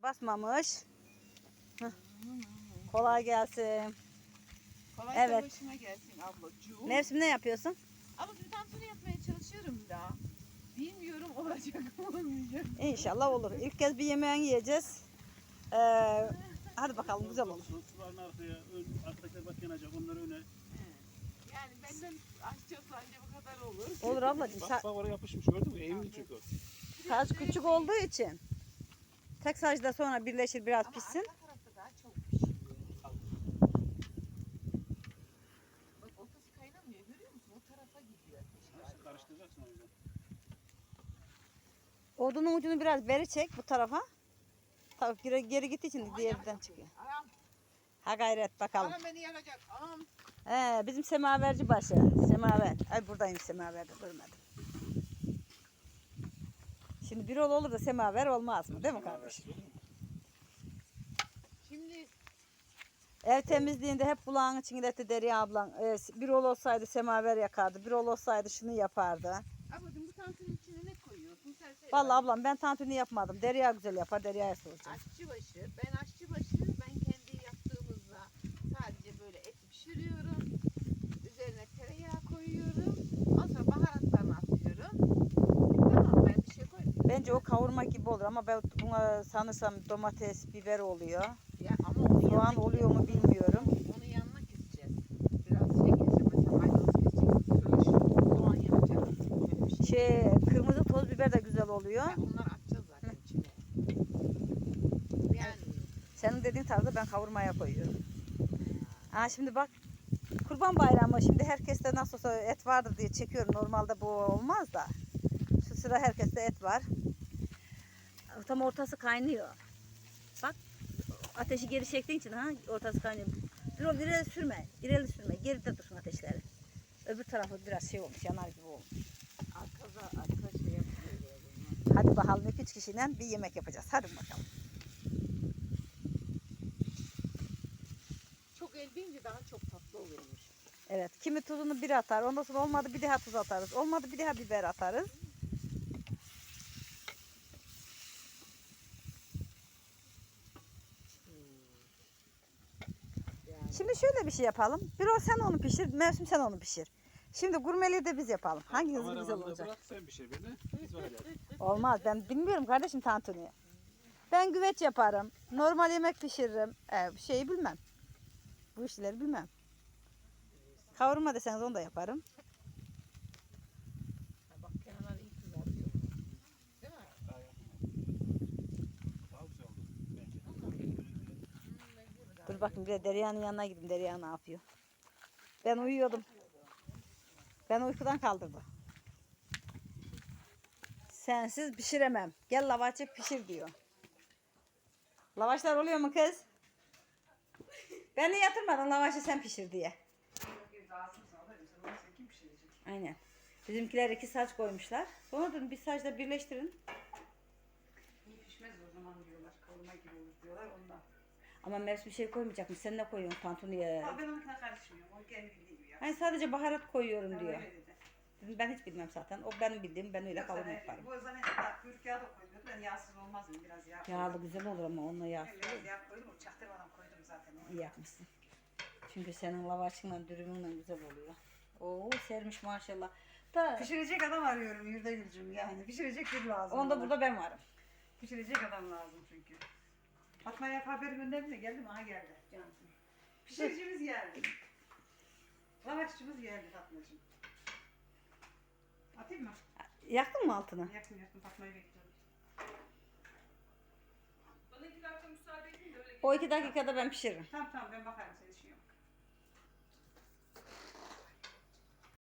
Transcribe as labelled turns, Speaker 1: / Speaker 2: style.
Speaker 1: basmamış. Heh. Kolay gelsin.
Speaker 2: Kolay
Speaker 1: Evet.
Speaker 2: başıma gelsin ablacığım.
Speaker 1: Mevsim ne yapıyorsun?
Speaker 2: Ama bir tantuni yapmaya çalışıyorum daha. Bilmiyorum olacak mı olmayacak.
Speaker 1: İnşallah olur. İlk kez bir yemeğini yiyeceğiz. Hadi bakalım güzel olur.
Speaker 3: Suların arkaya, arkadakiler bak yanacak, onları öne.
Speaker 2: Yani benden aşçı anca bu kadar olur.
Speaker 1: Olur ablacığım.
Speaker 3: Bak oraya yapışmış, gördün mü? Eğimli çünkü o.
Speaker 1: Saç küçük olduğu için. Tek sacda sonra birleşir biraz
Speaker 2: Ama
Speaker 1: pişsin.
Speaker 2: arka tarafta daha çok pişiyor. Bak ortası kaynamıyor görüyor musun? O tarafa gidiyor.
Speaker 3: Karıştıracaksın o yüzden.
Speaker 1: Odunun ucunu biraz beri çek bu tarafa. Tabii geri gittiği için diğerden çıkıyor.
Speaker 2: Anam,
Speaker 1: Ha gayret bakalım.
Speaker 2: anam beni yakacak. Anam.
Speaker 1: Bizim semaverci başı. Semaver. Ay buradayım semaverde görmedim. Şimdi bir olur da semaver olmaz mı? Değil mi kardeşim?
Speaker 2: Şimdi
Speaker 1: Ev temizliğinde hep bulağın içinde etti Derya ablan. Bir olsaydı semaver yakardı. Bir olsaydı şunu yapardı.
Speaker 2: ablacığım bu tantunun içine ne koyuyorsun? Sen söyle.
Speaker 1: Vallahi ablam ben tantuni yapmadım. Derya güzel yapar. Derya'ya soracağım.
Speaker 2: Aşçıbaşı. Ben aşçıbaşı. Ben kendi yaptığımızda sadece böyle eti pişiriyorum. Üzerine tereyağı koyuyorum. Ondan sonra baharatlarını atıyorum. Tamam ben bir şey koymuyorum.
Speaker 1: Bence o kavurma gibi olur ama ben buna sanırsam domates, biber oluyor.
Speaker 2: Ya ama onun
Speaker 1: Soğan
Speaker 2: yanına,
Speaker 1: oluyor mu bilmiyorum.
Speaker 2: onun yanına keseceğiz. Biraz şey keseceğiz. Mesela maydanoz keseceğiz. Soğan yapacağız. Böyle bir şey.
Speaker 1: Kırmızı toz biber de güzel oluyor.
Speaker 2: Ya onları atacağız zaten içine. Yani
Speaker 1: Senin dediğin tarzda ben kavurmaya koyuyorum. Şimdi bak Kurban Bayramı şimdi herkeste nasıl olsa et vardır diye çekiyorum. Normalde bu olmaz da. Şu sıra herkeste et var. Tam ortası kaynıyor. Bak ateşi geri çektiğin için ortası kaynıyor. İleri sürme. İleri sürme. Geride dursun ateşleri. Öbür tarafı biraz şey olmuş. Yanar gibi olmuş.
Speaker 2: arka şey yapıyor.
Speaker 1: Hadi bakalım 2-3 kişiyle bir yemek yapacağız. Hadi bakalım.
Speaker 2: Çok el deyince daha çok tatlı oluyormuş.
Speaker 1: Evet. Kimi tuzunu bir atar. Ondan sonra olmadı bir daha tuz atarız. Olmadı bir daha biber atarız.
Speaker 2: Yani.
Speaker 1: Şimdi şöyle bir şey yapalım. Bir o sen onu pişir, Mevsim sen onu pişir. Şimdi gurmeliği de biz yapalım. Hanginiz güzel
Speaker 3: Kameramanlığı
Speaker 1: olacak?
Speaker 3: bırak, sen pişir beni. Biz var ya.
Speaker 1: Olmaz. Ben bilmiyorum kardeşim tantuniyi. Ben güveç yaparım. Normal yemek pişiririm. Şeyi bilmem. Bu işleri bilmem. Kavurma deseniz onu da yaparım.
Speaker 2: Bak kenarlar iyi kızarıyor. Değil mi?
Speaker 3: Daha güzel oldu bence.
Speaker 1: Dur bakayım bir de Derya'nın yanına gideyim. Derya ne yapıyor? Ben uyuyordum. Ben uykudan kaldırdı. Sensiz pişiremem. Gel lavaşı pişir diyor. Lavaşlar oluyor mu kız? Beni yatırmadın lavaşı sen pişir diye. Aynen. Bizimkiler 2 saç koymuşlar. Sonra dedim bir saçla birleştirin.
Speaker 4: İyi pişmez o zaman diyorlar. Kavurma gibi olur diyorlar ondan.
Speaker 1: Ama Mevsim bir şey koymayacak mı? Sen ne koyuyorsun tantuniye?
Speaker 4: Ha, ben onunkine karışmıyorum. O kendi bildiği gibi ya.
Speaker 1: Hani sadece baharat koyuyorum
Speaker 4: Ben
Speaker 1: diyor.
Speaker 4: öyle dedi.
Speaker 1: Dedim ben hiç bilmem zaten. O benim bildiğim, ben öyle
Speaker 4: Yoksa
Speaker 1: kavurma
Speaker 4: ben-
Speaker 1: yaparım.
Speaker 4: Bu zannediyorum kuyruk yağı da koyuyordu. Ben yağsız olmaz mı? Biraz yağ koydum.
Speaker 1: Yağlı güzel olur ama onunla yağ.
Speaker 4: Ben biraz yağ koydum. O çaktırmadan koydum zaten.
Speaker 1: İyi yapmışsın. Çünkü senin lavaşınla dürümünle güzel oluyor. Oo sermiş maşallah. Da
Speaker 4: Pişirecek adam arıyorum Yurdagül'cüm yani. Pişirecek biri lazım.
Speaker 1: onda
Speaker 4: bana.
Speaker 1: burada ben varım.
Speaker 4: Pişirecek adam lazım çünkü. Fatma'ya haber gönderdim de geldi mi? Aha geldi. Cansın. Pişiricimiz geldi. Lavaşçımız geldi Fatma'cığım. Atayım mı?
Speaker 1: Yaktın mı altını?
Speaker 4: Yaktım Fatma'yı bekliyorum.
Speaker 1: O 2 dakikada ben pişiririm.
Speaker 4: Tamam ben bakarım.